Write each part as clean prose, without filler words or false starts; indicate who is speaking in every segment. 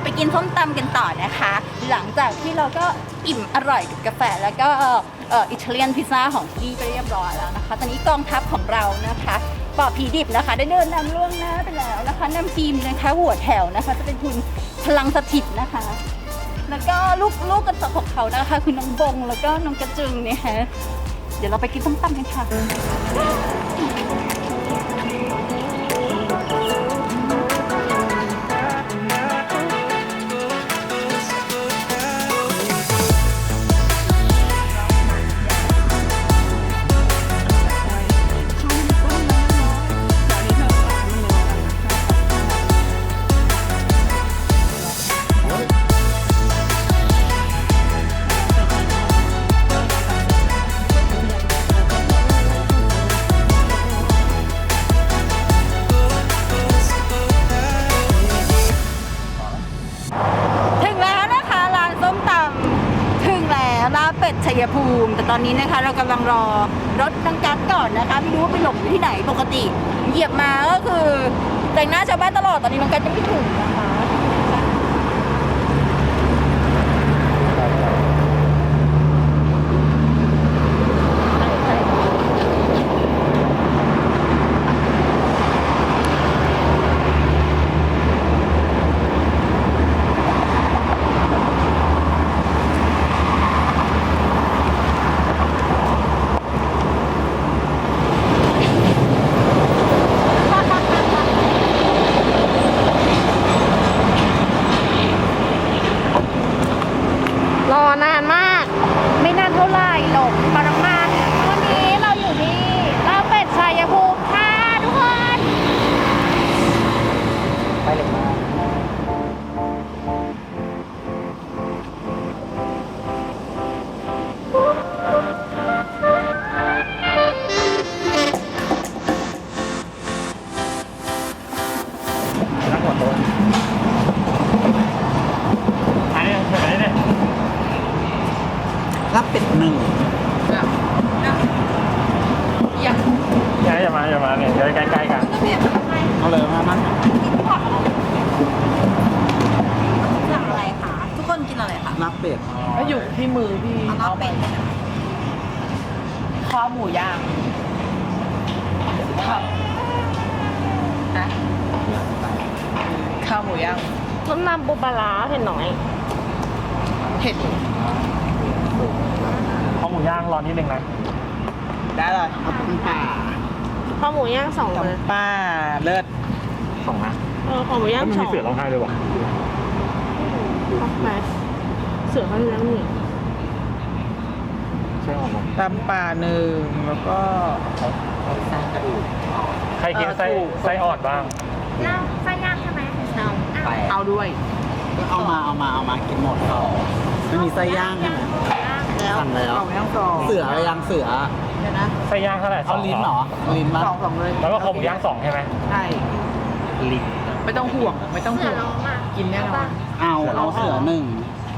Speaker 1: ไปกินส้มตำกันต่อนะคะ หลังจากที่เราก็อิ่มอร่อยกับกาแฟแล้วก็อิตาเลียนพิซซ่าของพี่ไปเรียบร้อยแล้วนะคะตอนนี้กองทัพของเรานะคะปอผีดิบนะคะได้เดินนำล่วงหน้าไปแล้วนะคะนำทีมนะคะหัวแถวนะคะจะเป็นคุณพลังสถิตนะคะแล้วก็ลูกกันต่อของเขานะคะคือน้องบงแล้วก็น้องกระจึงเนี่ยฮะเดี๋ยวเราไปกินส้มตำกันค่ะชัยภูมิแต่ตอนนี้นะคะเรากำลังรอรถดังกัดก่อนนะคะไม่รู้ว่าไปหลบอยู่ที่ไหนปกติเหยียบมาก็คือแต่งหน้าชาวบ้านตลอดตอนนี้ดังกัดยังไม่ถึงนะคะ
Speaker 2: นานมากไม่นานเท่าไหร่หรอกพอน้ำมันวันนี้เราอยู่ที่ลาบเป็ดชัยภูมิค่ะทุกคนไปเลยมา
Speaker 3: นั่งหัวโต๊ะอันนี้เฉยๆเนี่ย
Speaker 4: รับเป็ดหนึ่ง
Speaker 3: อย่ามาเนี่ยเดี๋ยวใกล้ๆกัน
Speaker 4: เอาเลยมามัน
Speaker 1: สั่งอะไรคะทุกคนกินอะไรคะ
Speaker 4: รับเป็ด
Speaker 5: ก็อยู่ที่มือพี่
Speaker 1: เอาเป็ด
Speaker 5: ข้าวหมูย่างข้าวหมูย่าง
Speaker 2: ต้มยำปูปลาร้าเผ็ดน้อย
Speaker 5: เผ็ด
Speaker 3: ข้าวหมูย่างรอนิดนึงนะ
Speaker 5: ได้เลย
Speaker 4: เอาต้มป่า
Speaker 2: ข้าวหมูย่าง2เลย
Speaker 5: จำป้าเลิศ
Speaker 3: สองนะ
Speaker 2: ข้าวหมูย่าง
Speaker 3: มัน
Speaker 2: 2
Speaker 3: มีเสือร้องไห้ด้วยวะ
Speaker 2: ไหนเสือเขาอยู่แล้วนี่
Speaker 3: ใช่หรอ
Speaker 5: ตำป่า1แล้วก็
Speaker 3: ใครกินไส้อ่อนบ้าง
Speaker 2: ไส้ย่างใช่ไหม
Speaker 5: เอาด้วย
Speaker 4: เอามากินหมดไม่มีไส้ย่างใช่ไหมสั่งแล้ว
Speaker 5: เอาย่างสอง
Speaker 4: เสือยังเสือ
Speaker 5: เดี๋ยวนะ
Speaker 3: ไส้ย่างเท่าไหร่
Speaker 4: เอาลิ้นเหรอลิ้นมา
Speaker 5: สองเลย
Speaker 3: แล้วก็ข้าวหมูย่าง2ใช่ไหม
Speaker 5: ใช่
Speaker 3: ลิ้น
Speaker 5: ไม่ต้องห่วงไม่ต้องห่วงกินแน่นอน
Speaker 4: เอาเสือหนึ่ง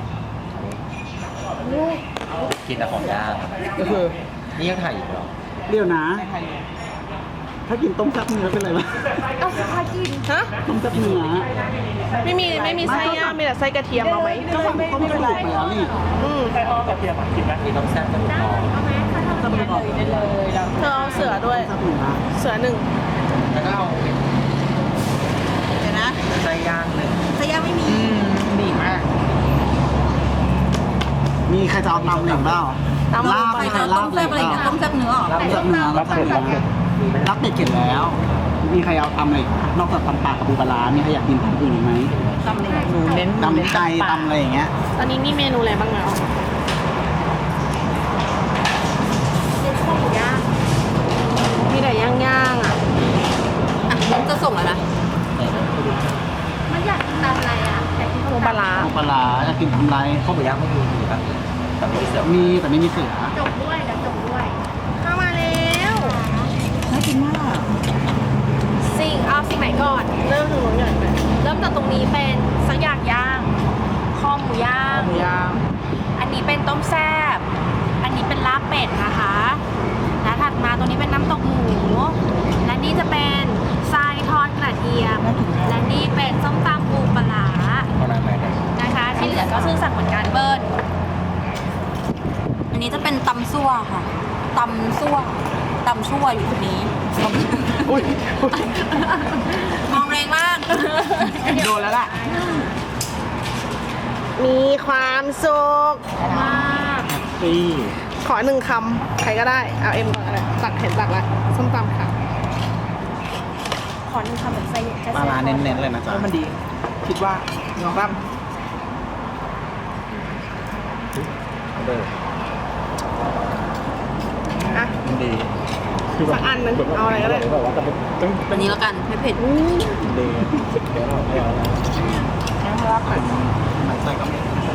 Speaker 6: กินแต่ของย่าง
Speaker 5: ก็คือ
Speaker 6: นี่ยังถ่ายอยู่เหรอ
Speaker 4: เดี๋ยวนะ
Speaker 5: ไม่ไทย
Speaker 4: ถ้ากินต้มแซ่บเนื้อเป็นไรวะ
Speaker 2: เอาใครกินฮะ
Speaker 4: ต้มแซ่บเนื้อ
Speaker 2: ไม่มีไส้ย่างมีแต่ไส้กระเทียมเอาไหม
Speaker 4: ก็สั่งต้มกระดูกไปแล้วนี่
Speaker 3: ไส้อ่อนกระเทียมกินไหม
Speaker 6: มีต้องแซ่บกระดูกอ่อน
Speaker 4: ต้มกระดูก
Speaker 5: ได้เลยแล้ว
Speaker 2: เธอเอาเสือด้วย
Speaker 4: แซ่บเนื้อ
Speaker 2: เสือ1
Speaker 6: แล้วก็เอา
Speaker 1: เดี๋ยวนะ
Speaker 6: ไส้ย่างหนึ่ง
Speaker 1: ไส้ย่างไม่มี
Speaker 5: ดีมาก
Speaker 4: มีใครจะเอาตำหนึ่งเปล่าลาบมีใครลา
Speaker 1: ต้
Speaker 4: บ
Speaker 1: ม
Speaker 4: หนึ่
Speaker 1: แซ่บ
Speaker 4: ง
Speaker 1: อะไร
Speaker 4: เปล่า
Speaker 1: นะต้มแซ่บเนื้อเหรอ
Speaker 4: ต้มแซ่บเนื้อ
Speaker 3: รับเผ็ดรับเผ็ด
Speaker 4: รับเป็ดเก็บแล้ว มีใครเอาตำอะไรนอกจากตำปลากับปูปลาร้ามีใครอยากกินตำอื่นอีกไหม
Speaker 1: ตำเลย
Speaker 5: หนูเน้น
Speaker 4: ตำไก่ตำอะไรอย่างเงี้ย
Speaker 2: ตอนนี้มีเมนูอะไรบ้างแล้วข้าวหมูย่างมีแต่ย่างอ่ะ
Speaker 1: อ่ะงั้นจะส่งแล้วนะ
Speaker 2: มันอยากกินตามอะไรอ่ะอยากกินปูปลาร้า
Speaker 4: ปูปลาร้าอยากกินทำไร
Speaker 6: ข้าวหมูย่างไม่มีแบบแต่ไม่มีเสือ
Speaker 4: มีแต่ไม่มีเสือ
Speaker 2: จบด้วยเดี๋ยวจบด้วยเข้ามาแล้ว
Speaker 1: น่ากินมาก
Speaker 2: สิ่งไหนก่อนเริ่มถึงนู้นก่อนไปเริ่มจากตรงนี้เป็นสักอย่างย่างคอหมูย่าง
Speaker 5: หมูย่าง
Speaker 2: อันนี้เป็นต้มแซ่บอันนี้เป็นลาบเป็ดนะคะและถัดมาตรงนี้เป็นน้ำตกหมูและนี่จะเป็นทรายทอดกระเทียมและนี่เป็นส้มตำปูปลาร้า
Speaker 6: เอาอะไรมาได้
Speaker 1: อันนี้จะเป็นตำซั่วค่ะตำซั่วอยู่ตรงนี้
Speaker 4: อุ้ย
Speaker 1: มองแรงมาก
Speaker 5: โดนแล้วล่ะ
Speaker 7: มีความสุข
Speaker 4: นี่
Speaker 7: ขอ1 คำ ใครก็ได้ เอาเอ็มก่อนอะไรตักเห็นตักละส้มตำค่ะ
Speaker 2: ขอหนึ่งคำแบบใส่แค่
Speaker 4: ปลา
Speaker 2: ใส่
Speaker 4: ร้าเน้นๆเลยนะจ๊ะ
Speaker 5: แล้วมันดี คิดว่าลองรับ
Speaker 7: อ่ะ
Speaker 4: มันดี
Speaker 7: สักอันหนึงเอาอะไรก็ได้
Speaker 4: แบบว่าจะเป็นต้อง
Speaker 1: อันนี้แล้วกันไม่เผ็ด
Speaker 4: ดีเดี๋ยวเราไม่เอาแล้ว
Speaker 7: รับค่ะ
Speaker 4: มันใส่ก็ไม่